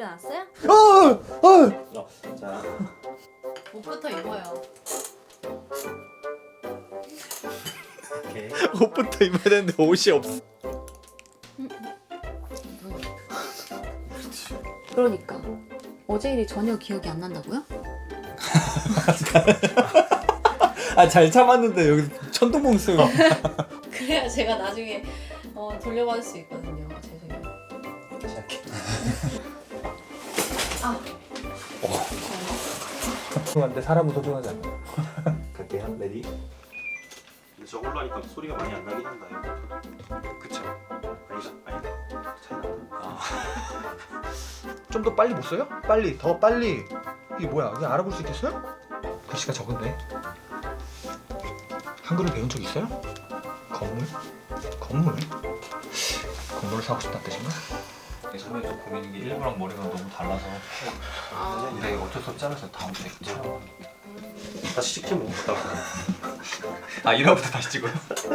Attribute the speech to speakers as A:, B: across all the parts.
A: 일어났어요?
B: 자,
A: 옷부터 입어요.
B: 오케이.
C: 옷부터 입어야 되는데 옷이 없어.
A: 그러니까 어제 일이 전혀 기억이 안 난다고요?
C: 아 잘 참았는데 여기 천둥봉수.
A: 그래야 제가 나중에 돌려받을 수 있거든요. 죄송해요.
B: 다시 할게.
A: 아,
C: 소중한데 사람은 소중하지 않아.
B: 갈게요. 레디. 근데 저걸로 하니까 소리가 많이 안 나긴 한다.
C: 그쵸.
B: 아니다. 차이 난다.
C: 좀 더 빨리 못 써요? 빨리 더 빨리. 이게 뭐야? 이게 알아볼 수 있겠어요? 글씨가 적은데. 한글을 배운 적 있어요? 건물? 건물을 사고 싶다는 뜻인가?
D: 처음에 좀 고민인 게 일부랑 머리가 너무 달라서 근데 어쩔 수 없지 않아서 다음 주에 촬영.
B: 다시 찍지 뭐.
D: 아 1화부터 다시 찍어요?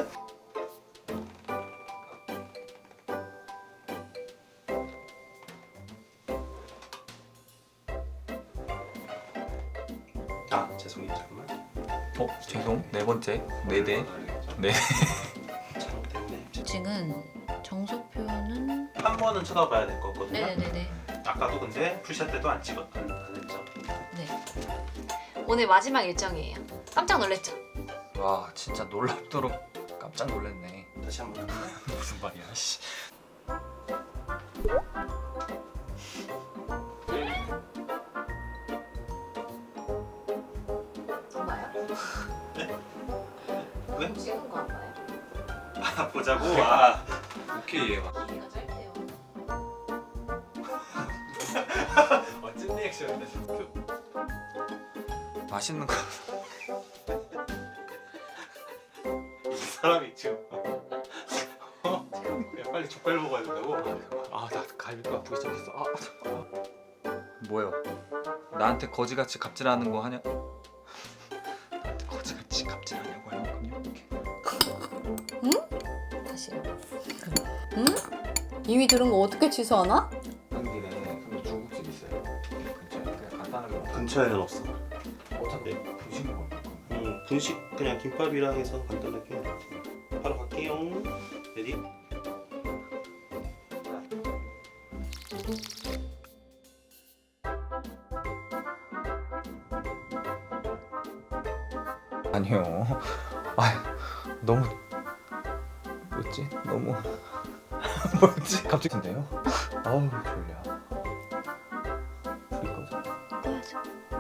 B: 아, 죄송해요. 잠깐만.
C: 죄송. 네 번째. 네 대. 네.
B: 촬영 때문에.
A: 지금 정소표는
B: 한 번은 쳐다봐야 될 것 같거든요.
A: 네네네네.
B: 아까도 근데 풀샷 때도 안 했죠.
A: 네. 오늘 마지막 일정이에요. 깜짝 놀랐죠?
D: 와 진짜 놀랍도록 깜짝 놀랐네.
B: 다시 한 번.
D: 무슨 말이야 씨.
A: 정말요?
B: 왜?
A: 찍은 거 안 봐요?
B: 아, 보자고. 아,
D: 오케이 얘가.
A: 얘가 짧대요.
B: 멋진 리액션이다.
D: 맛있는 거.
B: 이 사람이 지금. 야, 빨리 족발 먹어야 된다고.
C: 아 나 갈비가 아프기 시작했어.
D: 뭐요? 나한테 거지같이 갑질하는 거 하냐? 나한테 거지같이 갑질하냐고 하는 거군요.
A: 다시요. 응? 이미 들은 거 어떻게 취소하나?
D: 한 길에 근데 중국집 있어요. 근처에 그냥 간단하게 먹고
B: 근처에는 없어.
D: 어차피 분식 먹을 거고.
B: 분식 그냥 김밥이랑 해서 간단하게. 바로 갈게요. 레디.
C: 아니요. 아 너무 뭐였지? 너무 뭐였지? 갑자기인데요? 아우 졸려. 불이 꺼져.
A: 꺼야죠.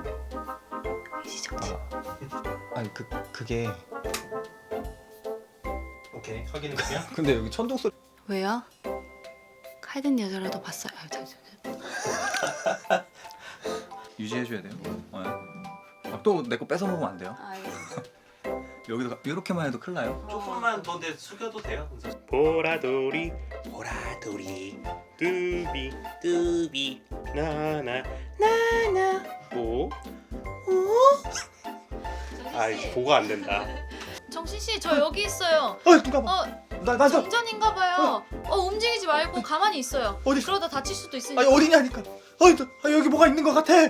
A: 시작지.
C: 아니 그게
B: 오케이. 확인해볼게요.
C: 근데 여기 천둥 소리.
A: 왜요? 칼든 여자라도 봤어요. 아, 잠시만요.
D: 유지해줘야 돼요. 또 내 거 뺏어 먹으면 안 돼요.
A: 알겠어요.
D: 여기도 이렇게만 해도 큰일 나요.
B: 조금만 더 내 숙여도 돼요. 보라돌이 뚜비 나나 오. 아이 보가 안 된다.
A: 정신 씨, 저 여기 있어요.
C: 누가 봐. 나
A: 정전인가 봐요. 움직이지 말고 가만히 있어요.
C: 어디?
A: 그러다 다칠 수도 있으니까.
C: 아니 어디냐니까. 여기 뭐가 있는 것 같아.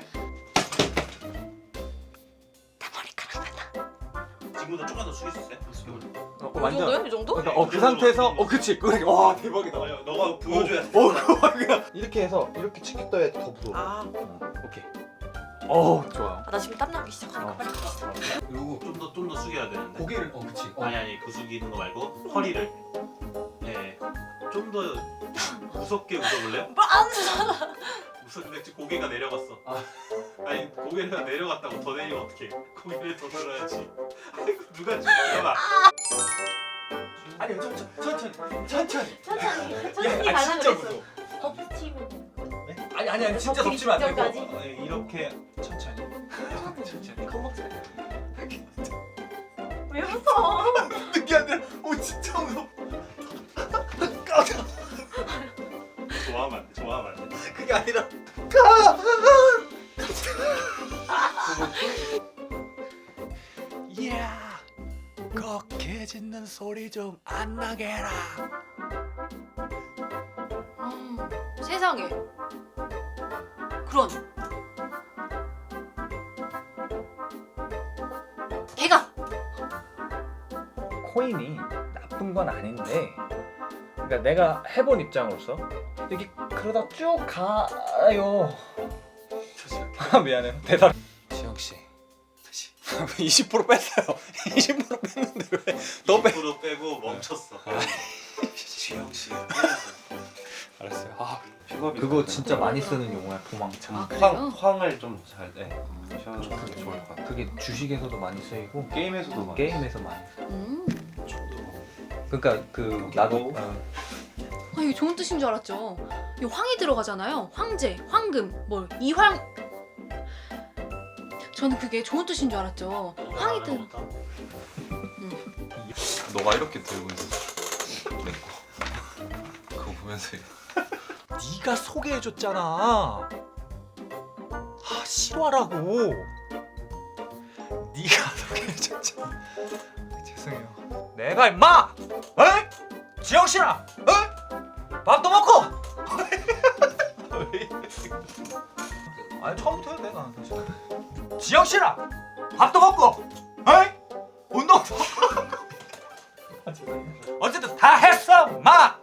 B: 지금보다 조금 더 숙일 수 있어요?
A: 이 정도요? 이 정도?
C: 그 상태에서 그치. 그래. 와 대박이다.
B: 너가 보여줘야 돼.
C: 그냥 이렇게 해서 이렇게 치킨 떠야 더 부드러워.
A: 아,
C: 오케이. 좋아.
A: 나 지금 땀나기 시작하니까 빨리 갑시다.
C: 그리고
B: 좀 더 숙여야 되는데.
C: 고개를 그치.
B: 아니 그 숙이는 거 말고 허리를. 네. 좀 더 무섭게 웃어볼래요?
A: 안 웃어.
B: 웃었는데 지금 고개가 내려갔어. 아니 고개가 내려갔다고 더 내리면 어떡해? 고개를 더 들어야지. 아이고 누가 죽여봐.
C: 아니 천천히.
A: 천천히
C: 야,
A: 가자
C: 진짜
A: 그랬어.
C: 무서워.
A: 덮치면
C: 아니 진짜
A: 덮치기
C: 덮치면 안 되고
A: 직전까지?
C: 이렇게 천천히. 천천히.
A: 겁먹지 마. 왜 무서워?
C: 느끼 안 돼. 진짜 무서워.
B: 좋아하면 안 돼.
C: 그게 아니라. 이야, 꺽해 짖는 소리 좀 안 나게 해라.
A: 세상에.
C: 코인이 나쁜 건 아닌데, 그러니까 내가 해본 입장으로서 이게 그러다 쭉 가요. 미안해요. 대답. 지영 씨. 20% 뺐어요. 20% 뺐는데 왜? 너 빼.
B: 20% 빼고 멈췄어. 지영 씨.
C: 알았어요. 아,
D: 픽업이
C: 그거 진짜 많이 쓰는 용어야. 도망쳐.
A: 아 그래요?
D: 황을 좀잘 쉬어도 좋을 것 같아.
C: 그게 주식에서도 많이 쓰이고
D: 게임에서도 많이.
C: 게임에서 많이.
A: 음.
C: 그러니까 그 나도
A: 아 이게 좋은 뜻인 줄 알았죠. 이 황이 들어가잖아요. 황제, 황금, 뭘 이황. 저는 그게 좋은 뜻인 줄 알았죠. 황이 들.
D: 너가 이렇게 들고 있어. 내 거. 그거 보면서
C: 네가 소개해줬잖아. 아 싫어하라고. 네가 소개해줬잖아. 죄송해요. 내가 임마, 에? 지영 씨랑, 밥도 먹고. 아니 처음부터 해도 돼 난 사실. 지영 씨랑 밥도 먹고, 운동도. 어쨌든 다 했어, 마.